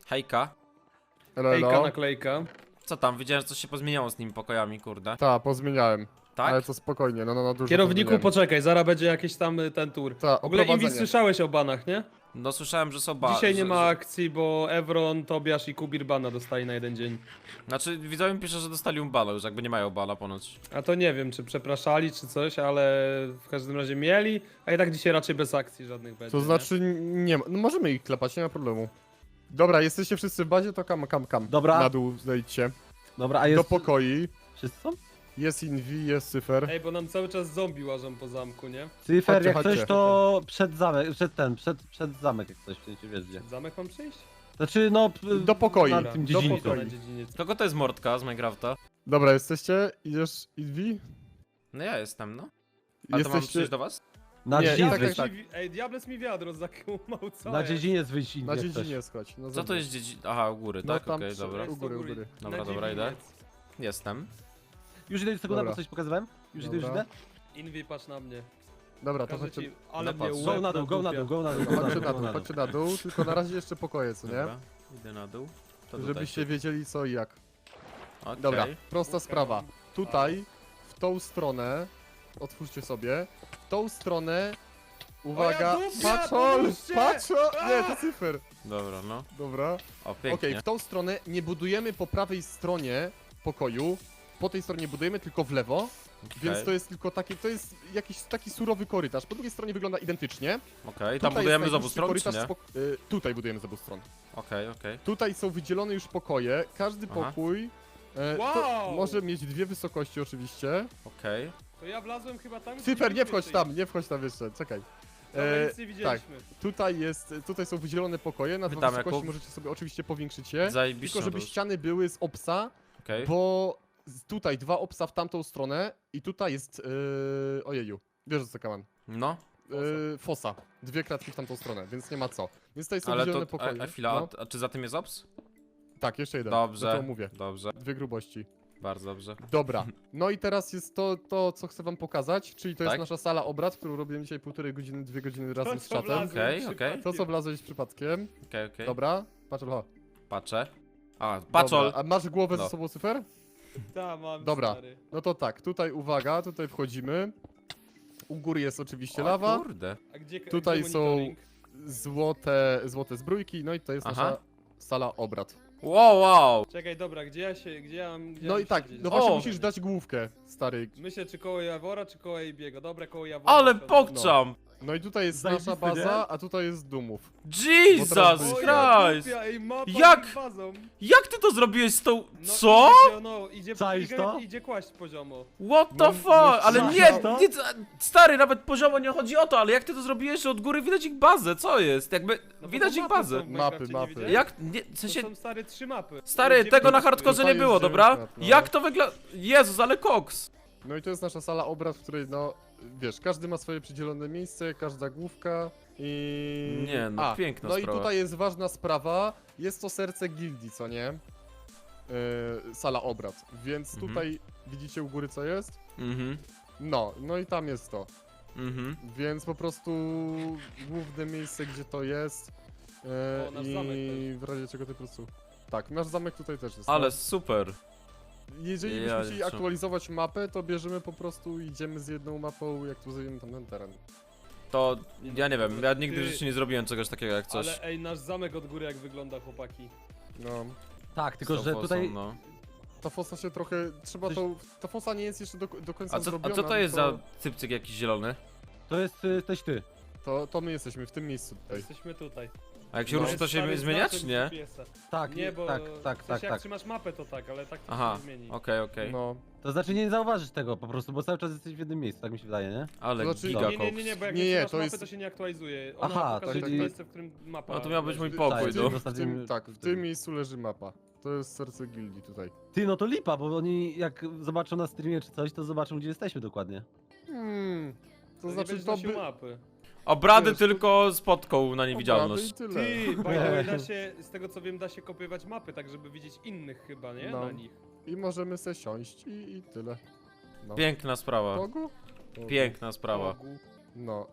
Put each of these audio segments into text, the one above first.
Hejka. Hejka, naklejka. Co tam? Widziałem, że coś się pozmieniało z tymi pokojami, kurde. Tak, pozmieniałem. Tak? Ale to spokojnie, no dużo Kierowniku, pozmieniałem. poczekaj, zaraz będzie jakiś tam ten tour. Ta, W ogóle Inwi, oprowadzenie. słyszałeś o banach, nie? No słyszałem, że są Dzisiaj nie ma akcji, bo Evron, Tobiasz i Kubir bana dostali na jeden dzień. Znaczy, widzowie mi pisze, że dostali bana już, jakby nie mają bana ponoć. A to nie wiem, czy przepraszali, czy coś, ale w każdym razie mieli, a i tak dzisiaj raczej bez akcji żadnych będzie. To znaczy, nie ma, no możemy ich klepać, nie ma problemu. Dobra, jesteście wszyscy w bazie, to kam. Dobra. Na dół zejdźcie. Dobra, a jest... Do pokoi. Wszyscy są? Jest Invi, jest Cyfer. Nie? Ej, bo nam cały czas zombie łażą po zamku, nie? Cyfer, Chodźcie, jak chodźcie. coś to przed zamek, przed zamek jak coś, w sensie wiesz gdzie. Zamek mam przyjść? Znaczy no... Do pokoi. Na Dobra, tym do dziedzińcu. pokoi. Na dziedziniec. Kogo to jest Mordka z Minecrafta? Dobra, jesteście? Idziesz Invi? No ja jestem, no. Ale to mam przyjść do was? Na Nie, dziedziniec tak, wyjść. tak. Ej, Diables mi wiadro zakłamał, co Na jest? dziedziniec wyjść i Na jak coś. dziedzinie schodź. No Co to zobacz. jest Aha, u góry, No tak? tam Okej, przy- dobra. Jest U góry, do u góry. Dobra, Na dobra, idę. dziedziniec. Jestem. Już idę sekunda, Dobra. bo coś pokazywałem? Już idę, już Dobra. idę? Inwi, patrz na mnie. Dobra, to Każę chodźcie, ci, ale No mnie patrz. Go łeb na dół, go na dół, go na dół, go na chodźcie dół, na go dół, na dół. chodźcie na dół, tylko na razie jeszcze pokoje, co nie? Dobra, idę na dół. To tutaj. Żebyście wiedzieli co i jak. Okej. Dobra, prosta sprawa. Tutaj, w tą stronę, otwórzcie sobie, w tą stronę, uwaga, O ja dupia, patrzol, pomóżcie! patrzol, nie, to Cyfer. Dobra, no. Dobra, O, pięknie. okej, w tą stronę nie budujemy po prawej stronie pokoju, po tej stronie budujemy tylko w lewo, więc Okej. to jest tylko taki, to jest jakiś taki surowy korytarz, po drugiej stronie wygląda identycznie. Okej, tam Tutaj budujemy jest z obu najdłuższy stron, czy korytarz nie? tutaj budujemy z obu stron. Okej, okej. Tutaj są wydzielone już pokoje, każdy Aha. pokój to Wow! może mieć dwie wysokości oczywiście. Okej. To ja wlazłem chyba tam, gdzie Cyfer, nie mieliśmy wchodź przyjść. tam, nie wchodź tam jeszcze, czekaj. Dobra, E, nic nie widzieliśmy. tutaj są wydzielone pokoje, na dwa Witam, wysokości Jakub. możecie sobie oczywiście powiększyć je. Zajebiście. Tylko żeby Nadeusz. ściany były z obsa, Okej. bo tutaj dwa obsa w tamtą stronę i tutaj jest, ojeju, wiesz co kaman, No, fosa, dwie kratki w tamtą stronę, więc nie ma co. Więc tutaj są ale wydzielone to... pokoje. A chwila, No, a czy za tym jest ops? tak, jeszcze jeden, Dobrze. to mówię. Dobrze, Dwie grubości. bardzo dobrze. Dobra, no i teraz jest to, co chcę wam pokazać, czyli to jest Tak? nasza sala obrad, którą robiłem dzisiaj 1,5 godziny, 2 godziny razem z co czatem. wlazłem Okej, przypadkiem. To co wlazłeś przypadkiem. Okej. Dobra, patrz, ho. Patrzę. A, patrzol! Dobra, a masz głowę No. ze sobą, Cyfer? Ta, mam, Dobra. stary. No to tak, tutaj uwaga, tutaj wchodzimy. U góry jest oczywiście O lawa, kurde. A gdzie, Tutaj gdzie są monitoring? złote zbrójki, no i to jest Aha. nasza sala obrad. Wow! Czekaj, dobra, gdzie ja mam No i tak, siedzieć? no właśnie O! musisz dać główkę, stary. Myślę, czy koło Jawora, czy koło Ejbiego. Dobra, koło Jawora. Ale usiądę. pokczam! No i tutaj jest Zajebiste, nasza baza, nie? a tutaj jest Dumów. Jesus Bo teraz O, byliśmy- ja Christ! dupia, ej, mapa Jak? z bazą. Jak ty to zrobiłeś z tą... No, Co? Idzie, Czaisz to? idzie kłaść poziomo. What the No, fuck? no, Ale co? nie, To? nie, stary, nawet poziomo nie chodzi o to, ale jak ty to zrobiłeś, że od góry widać ich bazę, co jest? Jakby, No bo widać to ich mapy bazę. są w Minecrafcie, nie Mapy. widziałeś? Jak, nie, w To sensie, są stare 3 mapy. stary, Dziewięć- tego na hardkorze Tutaj nie jest było, 9 dobra? map, no. Jak to wygląda? Jezus, ale koks! No i to jest nasza sala obrad, w której no, wiesz, każdy ma swoje przydzielone miejsce, każda główka i... Nie, no, piękna no sprawa. i tutaj jest ważna sprawa, jest to serce gildii, co nie? Sala obrad, więc Mhm. tutaj widzicie u góry co jest? Mhm, No i tam jest to, mhm. więc po prostu główne miejsce, gdzie to jest O, nasz zamek i w razie czego ty po prostu... Tak, nasz zamek tutaj też jest. Ale no. super. Jeżeli ja byśmy chcieli liczę. aktualizować mapę, to bierzemy po prostu, idziemy z jedną mapą, jak tu zajmiemy tam ten teren. To, ja nie wiem, ja nigdy w Ty- życiu nie zrobiłem czegoś takiego jak coś. Ale ej, nasz zamek od góry jak wygląda, chłopaki. No, Tak, z tylko tą że fosą, tutaj... no. ta fosa się trochę, trzeba Coś- tą, ta fosa nie jest jeszcze do końca A co zrobiona. to jest to, za cypcyk jakiś zielony? To jest też ty. To my jesteśmy w tym miejscu tutaj. Jesteśmy tutaj. A jak się No, ruszy, jest to się stary zmienia, znaczek czy nie? GPS-a. Tak, Nie, bo tak, w tak, sensie tak, jak tak. trzymasz mapę to tak, ale tak to Aha, się zmieni. okej. No, To znaczy nie zauważysz tego po prostu, bo cały czas jesteś w jednym miejscu, tak mi się wydaje, nie? Ale To znaczy- giga Nie, koks. bo jak Nie, nie, nie, trzymasz to mapy, jest- to się nie aktualizuje. Ona Aha, pokaże czyli- miejsce, w którym mapa No to miał być mój leży. pokój, Tak, no. tak, w tym miejscu leży mapa. To jest serce gildii tutaj. Ty, no to lipa, bo oni jak zobaczą na streamie czy coś, to zobaczą gdzie jesteśmy dokładnie. To nie znaczy będziesz to nosił by... mapy. Obrady Wiesz, to- tylko spotką na Obrady niewidzialność. i tyle. Ty, by the way, da się, z tego co wiem, da się kopiować mapy, tak żeby widzieć innych chyba, nie? No. Na nich. I możemy se siąść i tyle. No. Piękna sprawa. Pogu? Piękna sprawa. Bogu. No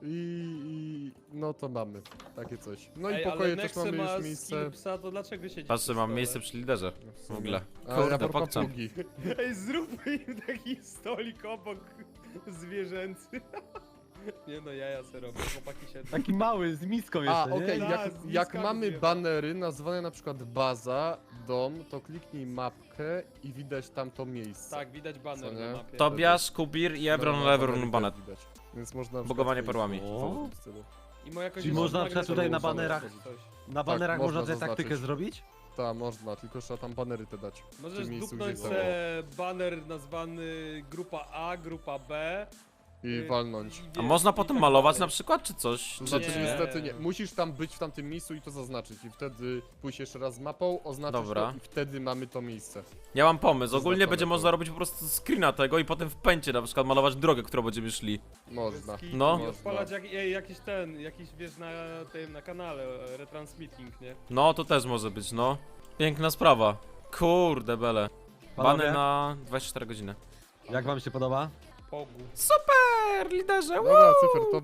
no to mamy takie coś. No i Ej, pokoje ale też Nexe mamy ma już miejsce. skill psa, to dlaczego siedzisz Patrzę, przy mam stole? miejsce przy liderze. W ogóle. A Kurde, ja pokczam. papugi. Ej, zróbmy im taki stolik obok zwierzęcy. Nie no, jaja se robię, chłopaki siedzą. Taki mały, z miską jeszcze, A, nie? okej, Tak, jak, z jak niskami mamy zjeba. banery nazwane na przykład baza, dom, to kliknij mapkę i widać tam to miejsce. Tak, widać baner Co na nie? mapie. Tobiasz, Kubir i Evron No, Leverun banery Banet. też widać. Więc można na przykład Bugowanie wejść perłami. w tym stylu. I moja Czyli można na przykład tutaj na banerach- Na banerach można można tę zaznaczyć. taktykę zrobić? Tak, można, tylko trzeba tam banery te dać. W Możesz tym miejscu, dupnąć gdzie są. se baner nazwany grupa A, grupa B. I walnąć. A można potem malować na przykład, czy coś? To Czy znaczy Nie. niestety nie. Musisz tam być w tamtym miejscu i to zaznaczyć. I wtedy pójść jeszcze raz z mapą, oznaczyć Dobra. to i wtedy mamy to miejsce. Ja mam pomysł, ogólnie Zaznaczone będzie to. można robić po prostu screena tego i potem w pęcie na przykład malować drogę, którą będziemy szli. Można. No. I odpalać jakiś wiesz na tym, na kanale, retransmitting, nie? No, to też może być, no. Piękna sprawa. Kurde bele. Bany Panowie, na 24 godziny. jak wam się podoba? Pogu. Super, liderze! Dobra, Cyfer, to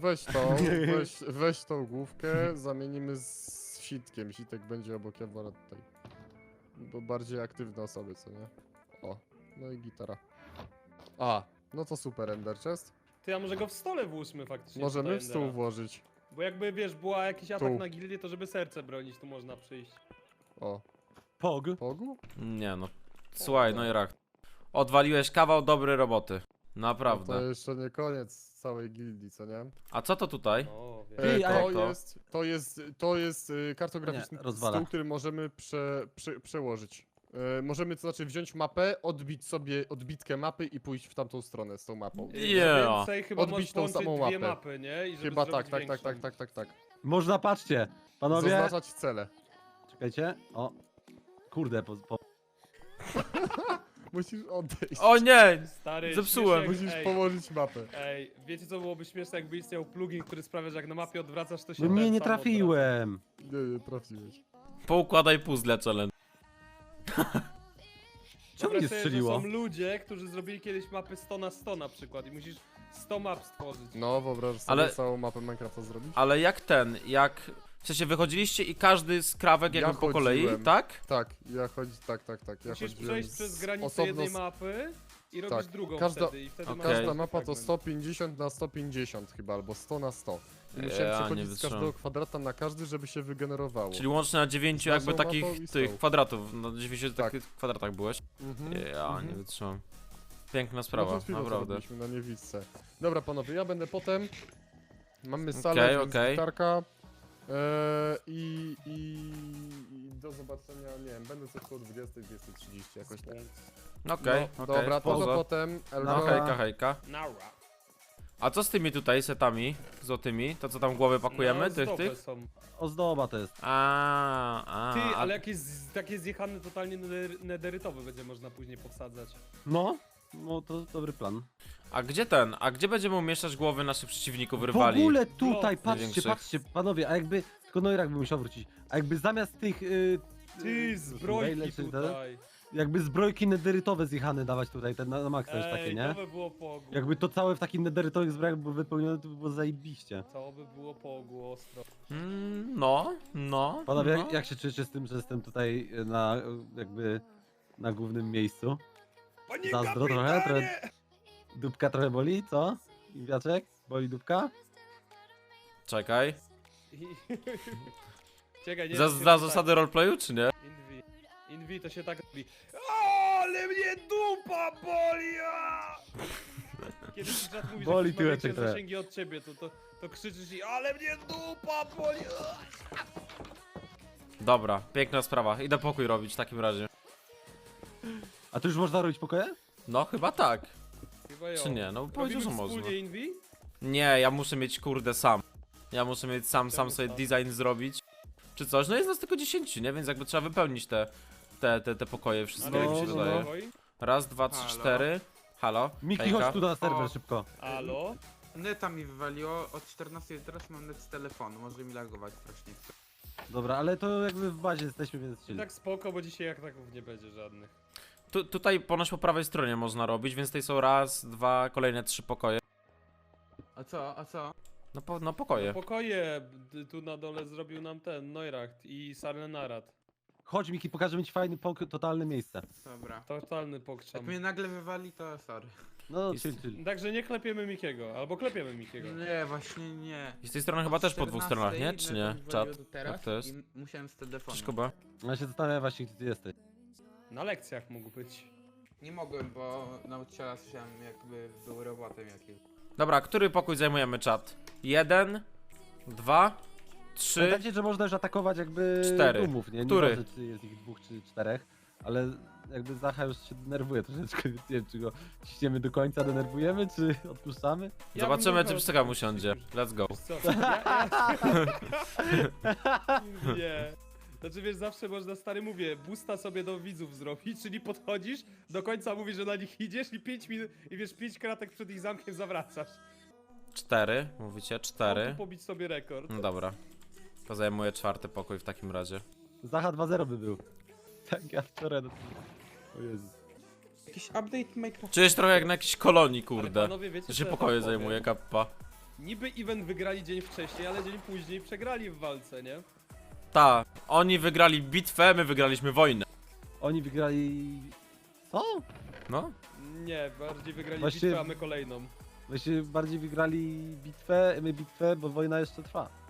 weź tą główkę, zamienimy z Sitkiem. Sitek będzie obok Jawora tutaj. Bo bardziej aktywne osoby, co nie? O, no i gitara. A, no to super, Ender Chest. Ty, a może go w stole włóżmy faktycznie. Możemy tutaj w stół Endera. włożyć. Bo jakby wiesz, była jakiś atak Tu. na gildię, to żeby serce bronić, tu można przyjść. O, Pog. pogu? Nie no. Słuchaj, no i rak. Odwaliłeś kawał dobrej roboty. No Naprawdę. to jeszcze nie koniec całej gildii, co nie? A co to tutaj? O, wiesz. Ty, a To jak to? jest kartograficzny Nie, rozwala. stół, który możemy przełożyć. Możemy to znaczy wziąć mapę, odbić sobie odbitkę mapy i pójść w tamtą stronę z tą mapą. Yeah. Więcej chyba Odbić możesz tą połączyć samą dwie mapę. mapy, nie? I żeby Chyba zrobić tak. większą. Można, patrzcie. Panowie, Zaznaczać cele. czekajcie. O. Kurde, Musisz odejść. O nie! Stary, Zepsułem. śmieszek, Musisz ej, położyć mapę. Ej, wiecie co byłoby śmieszne, jakby istniał plugin, który sprawia, że jak na mapie odwracasz, to się No mnie ten nie sam odwraca. trafiłem. Nie, trafiłeś. Poukładaj puzzle challenge. Czemu Wyobraź nie sobie, że strzeliło? są ludzie, którzy zrobili kiedyś mapy 100 na 100 na przykład i musisz 100 map stworzyć. No, wyobraź sobie Ale- całą mapę Minecrafta zrobić. Ale jak... W sensie wychodziliście i każdy z krawek Ja jakby po kolei, chodziłem. tak? Tak, ja tak. Ja Musisz chodziłem przejść z- przez granicę osobno jednej z- mapy i robisz Tak, drugą każda- wtedy i wtedy Okej. masz Każda jeden mapa to fragment. 150 na 150 chyba, albo 100 na 100. I musiałem Ja nie przechodzić z wytrzymam. każdego kwadrata na każdy, żeby się wygenerowało. Czyli łącznie na 9 Z jakby naszą takich mapą i z tych tą. kwadratów, na 9 Tak. takich kwadratach byłeś. Mhm, Ja nie mhm. wytrzymam. Piękna No sprawa, przed chwilą to naprawdę. robiliśmy na niewidce. Dobra panowie, ja będę potem. Mamy Okej, salę, więc okej. gitarka. I do zobaczenia, nie wiem, będę coś koło 20, 20:30 jakoś tak. Okej, No, okej, dobra, to poza. do potem. No Elgo. hejka, hejka. Nara. A co z tymi tutaj setami złotymi? To co tam głowy pakujemy, No, tych, zdrowe tych? są. Ozdoba to jest. Ty, a ale jakieś takie zjechane totalnie nederytowe będzie można później powsadzać. No, no to dobry plan. a gdzie będziemy umieszczać głowy naszych przeciwników, W rywali? ogóle tutaj, Blok patrzcie, największych. patrzcie, panowie, a jakby, tylko Noirak by musiał wrócić, a jakby zamiast tych, Ty, zbrojki maile czy te- tutaj. jakby zbrojki nederytowe zjechane dawać tutaj, te na maksa już takie, Ej, nie? to by było pogu. Jakby to całe w takich nederytowych zbrojach było wypełnione, to by było zajebiście. To by było pogu ostro. No. Panowie, no. jak się czujecie z tym, że jestem tutaj na, jakby, na głównym miejscu? Panie Zazdro trochę? Dupka trochę boli, co? Wiaczek? Boli dupka? Czekaj. Czekaj, nie Za, to się za tak- zasady roleplayu, czy nie? Invi to się tak robi. Ale mnie dupa boli! a! Kiedy ci czat mówi, Boli że ktoś ma tyłeczek większe trochę. zasięgi od ciebie, to krzyczysz i ale mnie dupa boli! a! Dobra, piękna sprawa. Idę pokój robić w takim razie. A tu już można robić pokoje? No chyba tak. Chyba jo. Czy nie? No powiedział, że Robimy można. wspólnie Invi? Nie, ja muszę mieć kurde sam. Ja muszę mieć sam Czemu sobie sam? design zrobić. Czy coś? No jest nas tylko 10, nie? Więc jakby trzeba wypełnić te pokoje wszystkie, jak mi się no, wydaje. Spokoj. Raz, dwa, trzy, Halo? cztery. Halo? Miki, Hejka? chodź tu na serwer O. szybko. Alo? Neta mi wywaliło, od 14 teraz mam net z telefonu, może mi lagować strasznie. Dobra, ale to jakby w bazie jesteśmy, więc I chill. tak spoko, bo dzisiaj jak taków nie będzie żadnych. Tutaj ponoć po prawej stronie można robić, więc tutaj są raz, dwa, kolejne 3 pokoje. A co, a co? No pokoje. Pokoje tu na dole zrobił nam ten Neuracht i Sarlenarad. Chodź Miki, pokażemy ci fajny, totalne miejsce. Dobra. Totalny Jak pokrzam. mnie nagle wywali, to sorry. No, Jest- chill. Także nie klepiemy Mikiego, albo klepiemy Mikiego. Nie, właśnie nie. I z tej strony chyba Od też po dwóch 14 stronach, nie? Czy mnie nie? to wywaliło Czat? do teraz Jak to jest? I musiałem z telefonu. Cześć Kuba. Ja się zastanawiam właśnie, gdzie ty jesteś. Na lekcjach mógł być. Nie mogłem, bo nauczyciela słyszałem, jakby był robotem jakimś. Dobra, który pokój zajmujemy, czat? 1, 2, 3. Pamiętajcie, że można już atakować jakby 4. dumów, nie? Który? Nieważne, czy jest ich 2 czy 4, ale jakby Zacha już się denerwuje troszeczkę, więc nie wiem, czy go ciśniemy do końca, denerwujemy, czy odpuszczamy? Ja Zobaczymy, bym czy go- psycha mu siądzie. Let's go. Wiesz co? Nie. Znaczy wiesz, zawsze można, stary mówię, boosta sobie do widzów zrobić, czyli podchodzisz, do końca mówisz, że na nich idziesz i 5 minut, i wiesz, 5 kratek przed ich zamkiem zawracasz. 4, mówicie? Mam 4. tu pobić sobie rekord. No dobra. To zajmuję 4. pokój w takim razie. Zacha 2-0 by był. Tak, ja wczoraj... O Jezu. Jakiś update Minecraft. Czujesz trochę jak na jakiejś kolonii, Ale kurde. panowie, wiecie, To co się ja pokoje wam powiem? zajmuje, kappa. Niby event wygrali dzień wcześniej, ale dzień później przegrali w walce, nie? Ta, oni wygrali bitwę, my wygraliśmy wojnę. Oni wygrali... Co? No? Nie, bardziej wygrali Właśnie- bitwę, a my kolejną. Właśnie bardziej wygrali bitwę, my bitwę, bo wojna jeszcze trwa.